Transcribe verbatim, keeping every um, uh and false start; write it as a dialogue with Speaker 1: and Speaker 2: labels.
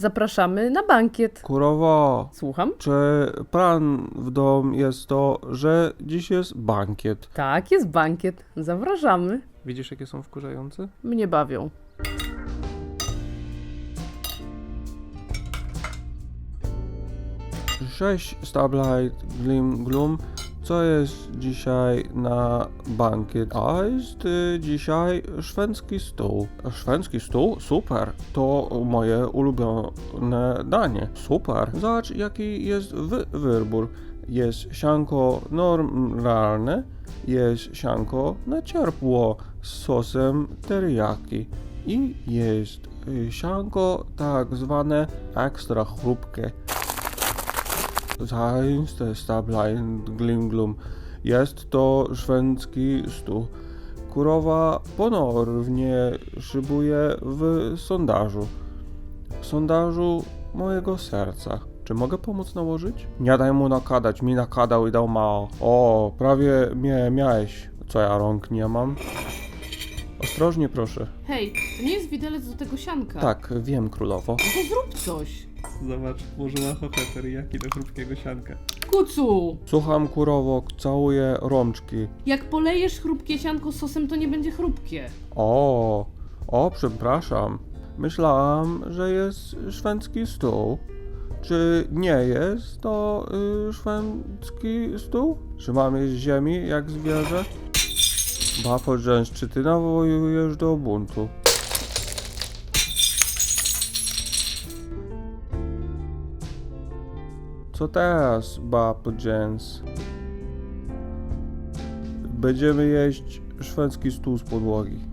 Speaker 1: Zapraszamy na bankiet.
Speaker 2: Kurowo,
Speaker 1: Słucham?
Speaker 2: czy plan w dom jest to, że dziś jest bankiet?
Speaker 1: Tak, jest bankiet. Zapraszamy.
Speaker 2: Widzisz, jakie są wkurzające?
Speaker 1: Mnie bawią.
Speaker 2: Cześć, Starlight, Glim, Gloom. Co jest dzisiaj na bankiet? A jest y, dzisiaj szwedzki stół. Szwedzki stół? Super. To moje ulubione danie. Super. Zobacz, jaki jest wy wybór. Jest sianko normalne, jest sianko na ciepło z sosem teriyaki i jest y, sianko tak zwane ekstra chrupkie. Zaiste Starlight Glim Gloom. Jest to szwedzki stół. Kurowa ponownie szybuje w sondażu. W sondażu mojego serca. Czy mogę pomóc nałożyć? Nie daj mu nakadać, mi nakadał i dał mało. O, prawie mnie miałeś. Co ja rąk nie mam? Ostrożnie proszę.
Speaker 1: Hej, to nie jest widelec do tego sianka.
Speaker 2: Tak, wiem królowo.
Speaker 1: No to zrób coś.
Speaker 2: Zobacz, włożyła ochotę teriyaki do chrupkiego sianka.
Speaker 1: Kucu!
Speaker 2: Słucham kurowo, całuję rączki.
Speaker 1: Jak polejesz chrupkie sianko sosem, to nie będzie chrupkie.
Speaker 2: O, o, przepraszam. Myślałam, że jest szwedzki stół. Czy nie jest to y, szwedzki stół? Czy mam jeść ziemi jak zwierzę? Bafo Jones, czy ty nawołujesz do buntu? Co teraz, Bafo Jones? Będziemy jeść szwedzki stół z podłogi.